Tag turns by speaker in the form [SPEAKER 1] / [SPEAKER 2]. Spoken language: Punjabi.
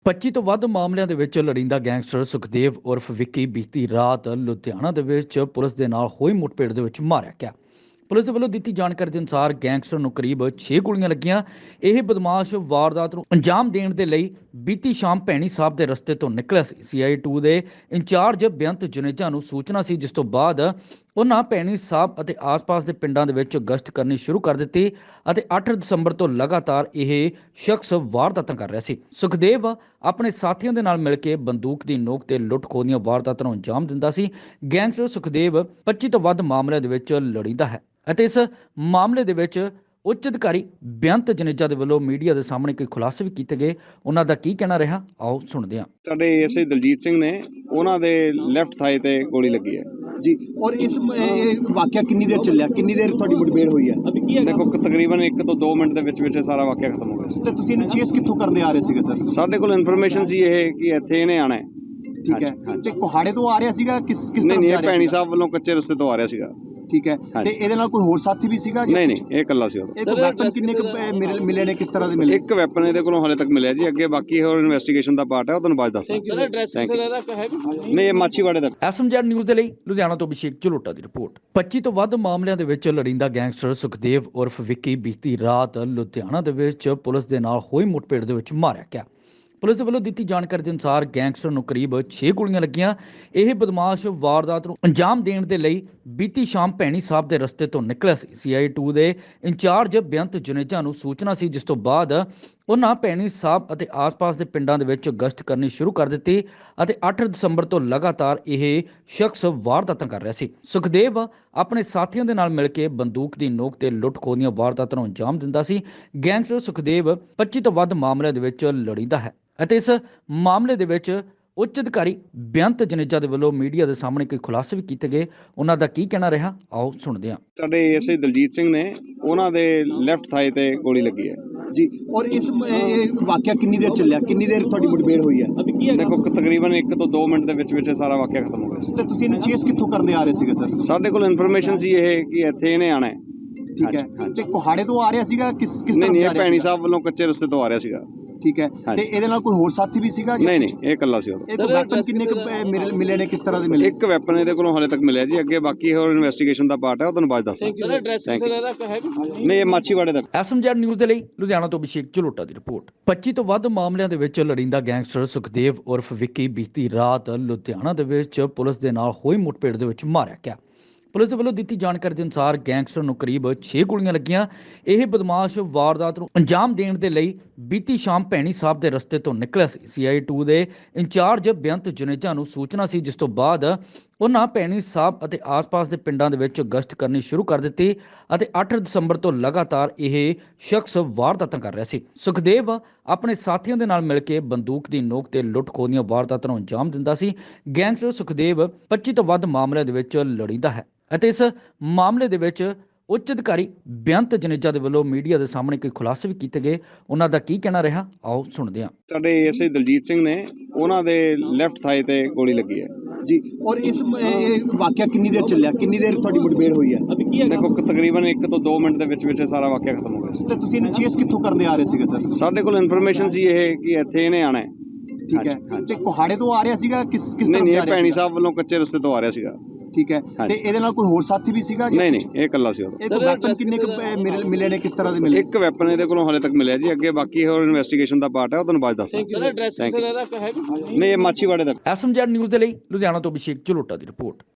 [SPEAKER 1] 25 ਤੋਂ ਵੱਧ ਮਾਮਲਿਆਂ ਦੇ ਵਿੱਚ ਲੜਿੰਦਾ ਗੈਂਗਸਟਰ ਸੁਖਦੇਵ ਉਰਫ ਵਿੱਕੀ ਬੀਤੀ ਰਾਤ ਲੁਧਿਆਣਾ ਦੇ ਵਿੱਚ ਪੁਲਿਸ ਦੇ ਨਾਲ ਹੋਈ ਮੁੱਠਭੇੜ ਦੇ ਵਿੱਚ ਮਾਰਿਆ ਗਿਆ। ਪੁਲਿਸ ਦੇ ਵੱਲੋਂ ਦਿੱਤੀ ਜਾਣਕਾਰੀ ਦੇ ਅਨੁਸਾਰ ਗੈਂਗਸਟਰ ਨੂੰ ਕਰੀਬ 6 ਗੋਲੀਆਂ ਲੱਗੀਆਂ। ਇਹ ਬਦਮਾਸ਼ ਵਾਰਦਾਤ ਨੂੰ ਅੰਜਾਮ ਦੇਣ ਦੇ ਲਈ ਬੀਤੀ ਸ਼ਾਮ ਭੈਣੀ ਸਾਹਿਬ ਦੇ ਰਸਤੇ ਤੋਂ ਨਿਕਲਿਆ ਸੀ। CI 2 ਦੇ ਇੰਚਾਰਜ ਬੇਅੰਤ ਜੁਨੇਜਾ ਨੂੰ ਸੂਚਨਾ ਸੀ, ਜਿਸ ਤੋਂ ਬਾਅਦ ਉਹਨਾਂ ਭੈਣੀ ਸਾਹਿਬ ਅਤੇ ਆਸ-ਪਾਸ ਦੇ ਪਿੰਡਾਂ ਦੇ ਵਿੱਚ ਗਸ਼ਤ ਕਰਨੀ ਸ਼ੁਰੂ ਕਰ ਦਿੱਤੀ ਅਤੇ 8 ਦਸੰਬਰ ਤੋਂ ਲਗਾਤਾਰ ਇਹ ਸ਼ਖਸ ਵਾਰਦਾਤਾਂ ਕਰ ਰਿਹਾ ਸੀ। ਸੁਖਦੇਵ ਆਪਣੇ ਸਾਥੀਆਂ ਦੇ ਨਾਲ ਮਿਲ ਕੇ ਬੰਦੂਕ ਦੀ ਨੋਕ ਤੇ ਲੁੱਟ-ਖੋਹ ਦੀਆਂ ਵਾਰਦਾਤਾਂ ਨੂੰ ਅੰਜਾਮ ਦਿੰਦਾ ਸੀ। ਗੈਂਗਸਟਰ ਸੁਖਦੇਵ 25 ਤੋਂ ਵੱਧ ਮਾਮਲਿਆਂ ਦੇ ਵਿੱਚ ਲੜੀਂਦਾ ਹੈ ਅਤੇ ਇਸ ਮਾਮਲੇ ਦੇ ਵਿੱਚ ਉੱਚ ਅਧਿਕਾਰੀ ਬੇਅੰਤ ਜੁਨੇਜਾ ਦੇ ਵੱਲੋਂ ਮੀਡੀਆ ਦੇ ਸਾਹਮਣੇ ਕੋਈ ਖੁਲਾਸੇ ਵੀ ਕੀਤੇ ਗਏ। ਉਹਨਾਂ ਦਾ ਕੀ ਕਹਿਣਾ ਰਿਹਾ, ਆਓ ਸੁਣਦੇ ਹਾਂ।
[SPEAKER 2] ਸਾਡੇ ਐਸਆਈ ਦਲਜੀਤ ਸਿੰਘ ਨੇ ਉਹਨਾਂ ਦੇ ਲੈਫਟ ਥਾਈ ਤੇ ਗੋਲੀ ਲੱਗੀ ਹੈ
[SPEAKER 3] ਜੀ। ਔਰ ਇਸ ਵਾਕਿਆ ਕਿੰਨੀ ਦੇਰ ਚੱਲਿਆ, ਕਿੰਨੀ ਦੇਰ ਤੁਹਾਡੀ ਮੁठਭੇੜ ਹੋਈ ਹੈ?
[SPEAKER 2] ਦੇਖੋ ਤਕਰੀਬਨ 1 ਤੋਂ 2 ਮਿੰਟ ਦੇ ਵਿੱਚ ਇਹ ਸਾਰਾ ਵਾਕਿਆ ਖਤਮ ਹੋ ਗਿਆ ਸੀ।
[SPEAKER 3] ਤੇ ਤੁਸੀਂ ਇਹਨੂੰ ਚੇਸ ਕਿੱਥੋਂ ਕਰਦੇ ਆ ਰਹੇ ਸੀਗੇ ਸਰ?
[SPEAKER 2] ਸਾਡੇ ਕੋਲ ਇਨਫੋਰਮੇਸ਼ਨ ਸੀ ਇਹ ਕਿ ਇੱਥੇ ਇਹਨੇ ਆਣਾ ਹੈ।
[SPEAKER 3] ਠੀਕ ਹੈ। ਤੇ ਕੋਹਾੜੇ ਤੋਂ ਆ ਰਿਹਾ ਸੀਗਾ ਕਿਸ ਤਰ੍ਹਾਂ?
[SPEAKER 2] ਨਹੀਂ, ਇਹ ਭੈਣੀ ਸਾਹਿਬ ਵੱਲੋਂ ਕੱਚੇ ਰਸਤੇ ਤੋਂ ਆ ਰਿਹਾ ਸੀਗਾ।
[SPEAKER 3] ਠੀਕ ਹੈ। ਤੇ ਇਹਦੇ ਨਾਲ ਕੋਈ ਹੋਰ ਸਾਥੀ ਵੀ ਸੀਗਾ?
[SPEAKER 2] ਨਹੀਂ, ਇਹ ਇਕੱਲਾ ਸੀ। ਉਹ
[SPEAKER 3] ਇੱਕ ਵੈਪਨ ਕਿੰਨੇ ਮਿਲੇ ਨੇ, ਕਿਸ ਤਰ੍ਹਾਂ ਦੇ ਮਿਲੇ?
[SPEAKER 2] ਇੱਕ ਵੈਪਨ ਇਹਦੇ ਕੋਲੋਂ ਹਾਲੇ ਤੱਕ ਮਿਲਿਆ ਜੀ। ਅੱਗੇ ਬਾਕੀ ਹੋਰ ਇਨਵੈਸਟੀਗੇਸ਼ਨ ਦਾ ਪਾਰਟ ਹੈ, ਉਹ ਤੁਹਾਨੂੰ ਬਾਅਦ ਦੱਸਾਂ। ਨਹੀਂ, ਇਹ ਮਾਛੀਵਾੜੇ ਦਾ।
[SPEAKER 1] SMZ ਨਿਊਜ਼ ਦੇ ਲਈ ਲੁਧਿਆਣਾ ਤੋਂ ਅਭਿਸ਼ੇਕ ਝਲੋਟਾ ਦੀ ਰਿਪੋਰਟ। 25 ਤੋਂ ਵੱਧ ਮਾਮਲਿਆਂ ਦੇ ਵਿੱਚ ਲੜਿੰਦਾ ਗੈਂਗਸਟਰ ਸੁਖਦੇਵ ਉਰਫ ਵਿੱਕੀ ਬੀਤੀ ਰਾਤ ਲੁਧਿਆਣਾ ਦੇ ਵਿੱਚ ਪੁਲਿਸ ਦੇ ਨਾਲ ਹੋਈ ਮੁੱਠਭੇੜ ਦੇ ਵਿੱਚ ਮਾਰਿਆ ਗਿਆ। ਪੁਲਿਸ ਦੇ ਵੱਲੋਂ ਦਿੱਤੀ ਜਾਣਕਾਰੀ ਦੇ ਅਨੁਸਾਰ ਗੈਂਗਸਟਰ ਨੂੰ ਕਰੀਬ 6 ਗੋਲੀਆਂ ਲੱਗੀਆਂ। ਇਹ ਬਦਮਾਸ਼ ਵਾਰਦਾਤ ਨੂੰ ਅੰਜਾਮ ਦੇਣ ਦੇ ਲਈ ਬੀਤੀ ਸ਼ਾਮ ਭੈਣੀ ਸਾਹਿਬ ਦੇ ਰਸਤੇ ਤੋਂ ਨਿਕਲਿਆ ਸੀ। CI 2 ਦੇ ਇੰਚਾਰਜ ਬੇਅੰਤ ਜੁਨੇਜਾ ਨੂੰ ਸੂਚਨਾ ਸੀ, ਜਿਸ ਤੋਂ ਬਾਅਦ ਉਹਨਾਂ ਭੈਣੀ ਸਾਹਿਬ ਅਤੇ ਆਸ-ਪਾਸ ਦੇ ਪਿੰਡਾਂ ਦੇ ਵਿੱਚ ਗਸ਼ਤ ਕਰਨੀ ਸ਼ੁਰੂ ਕਰ ਦਿੱਤੀ ਅਤੇ 8 ਦਸੰਬਰ ਤੋਂ ਲਗਾਤਾਰ ਇਹ ਸ਼ਖਸ ਵਾਰਦਾਤਾਂ ਕਰ ਰਿਹਾ ਸੀ। ਸੁਖਦੇਵ ਆਪਣੇ ਸਾਥੀਆਂ ਦੇ ਨਾਲ ਮਿਲ ਕੇ ਬੰਦੂਕ ਦੀ ਨੋਕ ਤੇ ਲੁੱਟ-ਖੋਹ ਦੀਆਂ ਵਾਰਦਾਤਾਂ ਨੂੰ ਅੰਜਾਮ ਦਿੰਦਾ ਸੀ। ਗੈਂਗਸਟਰ ਸੁਖਦੇਵ 25 ਤੋਂ ਵੱਧ ਮਾਮਲਿਆਂ ਦੇ ਵਿੱਚ ਲੜੀਂਦਾ ਹੈ ਅਤੇ ਇਸ ਮਾਮਲੇ ਦੇ ਵਿੱਚ ਉੱਚ ਅਧਿਕਾਰੀ ਬੇਅੰਤ ਜੁਨੇਜਾ ਦੇ ਵੱਲੋਂ ਮੀਡੀਆ ਦੇ ਸਾਹਮਣੇ ਕੋਈ ਖੁਲਾਸੇ ਵੀ ਕੀਤੇ ਗਏ। ਉਹਨਾਂ ਦਾ ਕੀ ਕਹਿਣਾ ਰਿਹਾ, ਆਓ ਸੁਣਦੇ ਹਾਂ।
[SPEAKER 2] ਸਾਡੇ ਐਸਆਈ ਦਲਜੀਤ ਸਿੰਘ ਨੇ ਉਹਨਾਂ ਦੇ ਲੈਫਟ ਥਾਈ ਤੇ ਗੋਲੀ ਲੱਗੀ ਹੈ
[SPEAKER 3] ਜੀ। ਔਰ ਇਸ ਵਾਕਿਆ ਕਿੰਨੀ ਦੇਰ ਚੱਲਿਆ, ਕਿੰਨੀ ਦੇਰ ਤੁਹਾਡੀ ਮੁਠਭੇੜ ਹੋਈ ਹੈ?
[SPEAKER 2] ਦੇਖੋ ਤਕਰੀਬਨ 1 ਤੋਂ 2 ਮਿੰਟ ਦੇ ਵਿੱਚ ਇਹ ਸਾਰਾ ਵਾਕਿਆ ਖਤਮ ਹੋ ਗਿਆ ਸੀ।
[SPEAKER 3] ਤੇ ਤੁਸੀਂ ਇਹਨੂੰ ਚੇਸ ਕਿੱਥੋਂ ਕਰਦੇ ਆ ਰਹੇ ਸੀਗੇ ਸਰ?
[SPEAKER 2] ਸਾਡੇ ਕੋਲ ਇਨਫੋਰਮੇਸ਼ਨ ਸੀ ਇਹ ਕਿ ਇੱਥੇ ਇਹਨੇ ਆਣਾ ਹੈ।
[SPEAKER 3] ਠੀਕ ਹੈ। ਤੇ ਕੋਹਾੜੇ ਤੋਂ ਆ ਰਿਹਾ ਸੀਗਾ ਕਿਸ ਤਰ੍ਹਾਂ?
[SPEAKER 2] ਨਹੀਂ, ਇਹ ਭੈਣੀ ਸਾਹਿਬ ਵੱਲੋਂ ਕੱਚੇ ਰਸਤੇ ਤੋਂ ਆ ਰਿਹਾ ਸੀਗਾ।
[SPEAKER 3] ਠੀਕ ਹੈ। ਤੇ ਇਹਦੇ ਨਾਲ ਕੋਈ ਹੋਰ ਸਾਥੀ ਵੀ ਸੀਗਾ?
[SPEAKER 2] ਨਹੀਂ, ਇਹ ਇਕੱਲਾ ਸੀ। ਉਹ
[SPEAKER 3] ਇੱਕ ਵੈਪਨ ਕਿੰਨੇ ਮਿਲੇ ਨੇ, ਕਿਸ ਤਰ੍ਹਾਂ ਦੇ ਮਿਲੇ?
[SPEAKER 2] ਇੱਕ ਵੈਪਨ ਇਹਦੇ ਕੋਲੋਂ ਹਾਲੇ ਤੱਕ ਮਿਲਿਆ ਜੀ। ਅੱਗੇ ਬਾਕੀ ਹੋਰ ਇਨਵੈਸਟੀਗੇਸ਼ਨ ਦਾ ਪਾਰਟ ਹੈ, ਉਹ ਤੁਹਾਨੂੰ ਬਾਅਦ ਦੱਸਾਂ। ਨਹੀਂ, ਇਹ ਮਾਛੀਵਾੜੇ ਦਾ।
[SPEAKER 1] SMZ ਨਿਊਜ਼ ਦੇ ਲਈ ਲੁਧਿਆਣਾ ਤੋਂ ਅਭਿਸ਼ੇਕ ਝਲੋਟਾ ਦੀ ਰਿਪੋਰਟ। 25 ਤੋਂ ਵੱਧ ਮਾਮਲਿਆਂ ਦੇ ਵਿੱਚ ਲੜਿੰਦਾ ਗੈਂਗਸਟਰ ਸੁਖਦੇਵ ਉਰਫ ਵਿੱਕੀ ਬੀਤੀ ਰਾਤ ਲੁਧਿਆਣਾ ਦੇ ਵਿੱਚ ਪੁਲਿਸ ਦੇ ਨਾਲ ਹੋਈ ਮੁੱਠਭੇੜ ਦੇ ਵਿੱਚ ਮਾਰਿਆ ਗਿਆ। ਪੁਲਿਸ ਦੇ ਵੱਲੋਂ ਦਿੱਤੀ ਜਾਣਕਾਰੀ ਦੇ ਅਨੁਸਾਰ ਗੈਂਗਸਟਰ ਨੂੰ ਕਰੀਬ 6 ਗੋਲੀਆਂ ਲੱਗੀਆਂ। ਇਹ ਬਦਮਾਸ਼ ਵਾਰਦਾਤ ਨੂੰ ਅੰਜਾਮ ਦੇਣ ਦੇ ਲਈ ਬੀਤੀ ਸ਼ਾਮ ਭੈਣੀ ਸਾਹਿਬ ਦੇ ਰਸਤੇ ਤੋਂ ਨਿਕਲਿਆ ਸੀ। CI 2 ਦੇ ਇੰਚਾਰਜ ਬੇਅੰਤ ਜੁਨੇਜਾ ਨੂੰ ਸੂਚਨਾ ਸੀ, ਜਿਸ ਤੋਂ ਬਾਅਦ ਉਹਨਾਂ ਭੈਣੀ ਸਾਹਿਬ ਅਤੇ ਆਸ-ਪਾਸ ਦੇ ਪਿੰਡਾਂ ਦੇ ਵਿੱਚ ਗਸ਼ਤ ਕਰਨੀ ਸ਼ੁਰੂ ਕਰ ਦਿੱਤੀ ਅਤੇ 8 ਦਸੰਬਰ ਤੋਂ ਲਗਾਤਾਰ ਇਹ ਸ਼ਖਸ ਵਾਰਦਾਤਾਂ ਕਰ ਰਿਹਾ ਸੀ। ਸੁਖਦੇਵ ਆਪਣੇ ਸਾਥੀਆਂ ਦੇ ਨਾਲ ਮਿਲ ਕੇ ਬੰਦੂਕ ਦੀ ਨੋਕ ਤੇ ਲੁੱਟ-ਖੋਹ ਦੀਆਂ ਵਾਰਦਾਤਾਂ ਨੂੰ ਅੰਜਾਮ ਦਿੰਦਾ ਸੀ। ਗੈਂਗਸਟਰ ਸੁਖਦੇਵ 25 ਤੋਂ ਵੱਧ ਮਾਮਲਿਆਂ ਦੇ ਵਿੱਚ ਲੜੀਂਦਾ ਹੈ ਅਤੇ ਇਸ ਮਾਮਲੇ ਦੇ ਵਿੱਚ ਉੱਚ ਅਧਿਕਾਰੀ ਬੇਅੰਤ ਜੁਨੇਜਾ ਦੇ ਵੱਲੋਂ ਮੀਡੀਆ ਦੇ ਸਾਹਮਣੇ ਕੋਈ ਖੁਲਾਸੇ ਵੀ ਕੀਤੇ ਗਏ। ਉਹਨਾਂ ਦਾ ਕੀ ਕਹਿਣਾ ਰਿਹਾ, ਆਓ ਸੁਣਦੇ ਹਾਂ।
[SPEAKER 2] ਸਾਡੇ ਐਸਆਈ ਦਲਜੀਤ ਸਿੰਘ ਨੇ ਉਹਨਾਂ ਦੇ ਲੈਫਟ ਥਾਈ ਤੇ ਗੋਲੀ ਲੱਗੀ ਹੈ
[SPEAKER 3] ਜੀ। ਔਰ ਇਸ ਵਾਕਿਆ ਕਿੰਨੀ ਦੇਰ ਚੱਲਿਆ, ਕਿੰਨੀ ਦੇਰ ਤੁਹਾਡੀ ਮੁਠਭੇੜ ਹੋਈ ਹੈ?
[SPEAKER 2] ਦੇਖੋ ਤਕਰੀਬਨ 1 ਤੋਂ 2 ਮਿੰਟ ਦੇ ਵਿੱਚ ਇਹ ਸਾਰਾ ਵਾਕਿਆ ਖਤਮ ਹੋ ਗਿਆ ਸੀ।
[SPEAKER 3] ਤੇ ਤੁਸੀਂ ਇਹਨੂੰ ਚੇਸ ਕਿੱਥੋਂ ਕਰਦੇ ਆ ਰਹੇ ਸੀਗੇ ਸਰ?
[SPEAKER 2] ਸਾਡੇ ਕੋਲ ਇਨਫੋਰਮੇਸ਼ਨ ਸੀ ਇਹ ਕਿ ਇੱਥੇ ਇਹਨੇ ਆਣਾ ਹੈ।
[SPEAKER 3] ਠੀਕ ਹੈ। ਤੇ ਕੋਹਾੜੇ ਤੋਂ ਆ ਰਿਹਾ ਸੀਗਾ ਕਿਸ ਤਰ੍ਹਾਂ?
[SPEAKER 2] ਨਹੀਂ, ਇਹ ਭੈਣੀ ਸਾਹਿਬ ਵੱਲੋਂ ਕੱਚੇ ਰਸਤੇ ਤੋਂ ਆ ਰਿਹਾ ਸੀਗਾ।
[SPEAKER 3] ਠੀਕ ਹੈ। ਤੇ ਇਹਦੇ ਨਾਲ ਕੋਈ ਹੋਰ ਸਾਥੀ ਵੀ ਸੀਗਾ?
[SPEAKER 2] ਨਹੀਂ, ਇਹ ਇਕੱਲਾ ਸੀ। ਉਹ
[SPEAKER 3] ਇੱਕ ਵੈਪਨ ਕਿੰਨੇ ਮਿਲੇ ਨੇ, ਕਿਸ ਤਰ੍ਹਾਂ ਦੇ ਮਿਲੇ?
[SPEAKER 2] ਇੱਕ ਵੈਪਨ ਇਹਦੇ ਕੋਲੋਂ ਹਾਲੇ ਤੱਕ ਮਿਲਿਆ ਜੀ। ਅੱਗੇ ਬਾਕੀ ਹੋਰ ਇਨਵੈਸਟੀਗੇਸ਼ਨ ਦਾ ਪਾਰਟ ਹੈ, ਉਹ ਤੁਹਾਨੂੰ ਬਾਅਦ ਦੱਸਾਂ। ਨਹੀਂ, ਇਹ ਮਾਛੀਵਾੜੇ ਦਾ।
[SPEAKER 1] SMZ ਨਿਊਜ਼ ਦੇ ਲਈ ਲੁਧਿਆਣਾ ਤੋਂ ਅਭਿਸ਼ੇਕ ਝਲੋਟਾ ਦੀ ਰਿਪੋਰਟ।